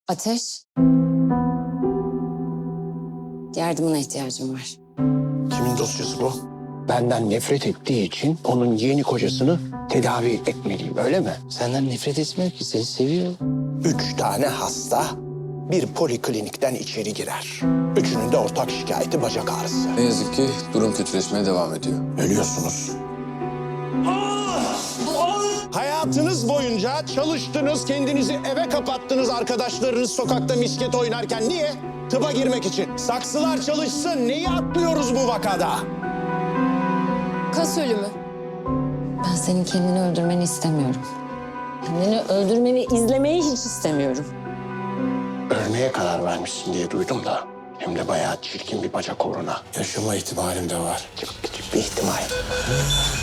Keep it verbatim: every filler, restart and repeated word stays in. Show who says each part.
Speaker 1: Ateş. Yardımına ihtiyacım var.
Speaker 2: Kimin dosyası bu? Benden nefret ettiği için onun yeni kocasını tedavi etmeliyim, öyle mi?
Speaker 3: Senden nefret etmiyor ki, seni seviyor.
Speaker 2: Üç tane hasta bir poliklinikten içeri girer. Üçünün de ortak şikayeti bacak ağrısı.
Speaker 4: Ne yazık ki durum kötüleşmeye devam ediyor.
Speaker 2: Ölüyorsunuz. Hayatınız boyunca çalıştınız, kendinizi eve kapattınız arkadaşlarınız sokakta misket oynarken. Niye? Tıba girmek için. Saksılar çalışsın. Neyi atlıyoruz bu vakada?
Speaker 1: Kas ölümü. Ben senin kendini öldürmeni istemiyorum. Kendini öldürmeni izlemeyi hiç istemiyorum.
Speaker 2: Ölmeye karar vermişsin diye duydum da. Hem de bayağı çirkin bir bacak uğruna.
Speaker 4: Yaşama ihtimalim de var.
Speaker 2: Çok küçük bir ihtimal.